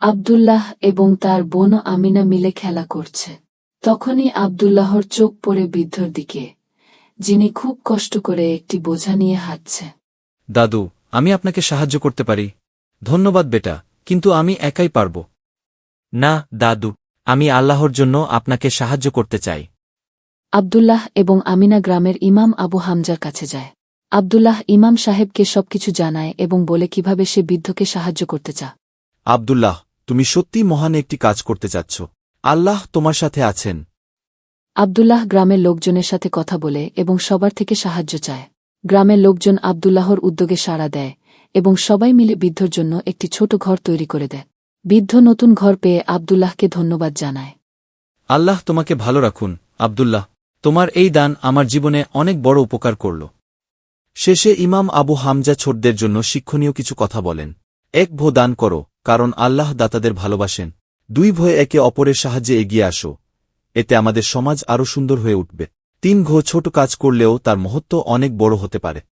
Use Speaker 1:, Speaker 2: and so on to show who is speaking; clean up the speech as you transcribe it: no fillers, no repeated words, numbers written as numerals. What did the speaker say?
Speaker 1: আব্দুল্লাহ এবং তার বোন আমিনা মিলে খেলা করছে। তখনই আব্দুল্লাহর চোখ পড়ে বৃদ্ধর দিকে, যিনি খুব কষ্ট করে একটি বোঝা নিয়ে হাঁটছে।
Speaker 2: দাদু, আমি আপনাকে সাহায্য করতে পারি। ধন্যবাদ বেটা, কিন্তু আমি একাই পারব না। দাদু, আমি আল্লাহর জন্য আপনাকে সাহায্য করতে চাই।
Speaker 1: আব্দুল্লাহ এবং আমিনা গ্রামের ইমাম আবু হামজার কাছে যায়। আব্দুল্লাহ ইমাম সাহেবকে সবকিছু জানায় এবং বলে কিভাবে সে বৃদ্ধকে সাহায্য করতে চা।
Speaker 2: আব্দুল্লাহ, তুমি সত্যিই মহান একটি কাজ করতে চাচ্ছ। আল্লাহ তোমার সাথে আছেন।
Speaker 1: আব্দুল্লাহ গ্রামের লোকজনের সাথে কথা বলে এবং সবার থেকে সাহায্য চায়। গ্রামের লোকজন আব্দুল্লাহর উদ্যোগে সাড়া দেয় এবং সবাই মিলে বৃদ্ধর জন্য একটি ছোট ঘর তৈরি করে দেয়। বৃদ্ধ নতুন ঘর পেয়ে আব্দুল্লাহকে ধন্যবাদ জানায়।
Speaker 2: আল্লাহ তোমাকে ভালো রাখুন আব্দুল্লাহ, তোমার এই দান আমার জীবনে অনেক বড় উপকার করল। শেষে ইমাম আবু হামজা ছোটদের জন্য শিক্ষণীয় কিছু কথা বলেন। 1 ভো দান করো, কারণ আল্লাহ দাতাদের ভালোবাসেন। 2 ভয়ে একে অপরের সাহায্যে এগিয়ে আসো, এতে আমাদের সমাজ আরও সুন্দর হয়ে উঠবে। 3 ঘো ছোট কাজ করলেও তার মহত্ব অনেক বড় হতে পারে।